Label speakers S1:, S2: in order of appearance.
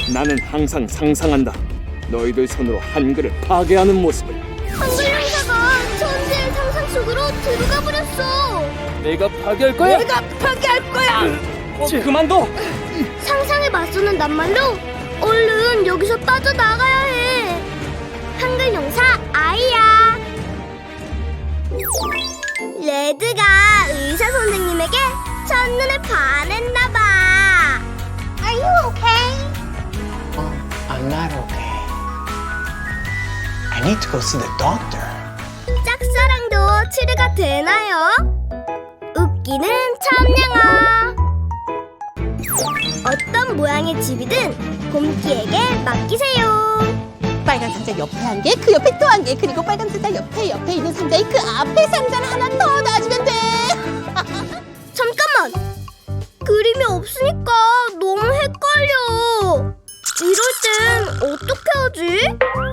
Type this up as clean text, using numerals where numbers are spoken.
S1: 나는 항상 상상한다. 너희들 손으로 한글을 파괴하는 모습을.
S2: 한글 형사가 천재의 상상 속으로 들어가 버렸어.
S1: 내가 파괴할 거야.
S3: 내가 파괴할 거야.
S1: 그만둬.
S2: 상상에 맞서는 낱말로 얼른 여기서 빠져나가야 해. 한글 용사 아이야. 레드가 의사 선생님에게 첫눈에 반했나봐. Are you okay?
S4: I'm not okay. I need to go see the doctor.
S2: 짝사랑도 치료가 되나요? 웃기는 참냥아. 어떤 모양의 집이든 곰끼에게 맡기세요.
S3: 빨간 상자 옆에 한 개, 그 옆에 또 한 개, 그리고 빨간 상자 옆에 있는 상자에 그 앞에 상자를 하나 더 놔주면 돼.
S2: 잠깐만! 그림이 없으니까 너무 헷갈려. 이럴 땐 어떻게 하지?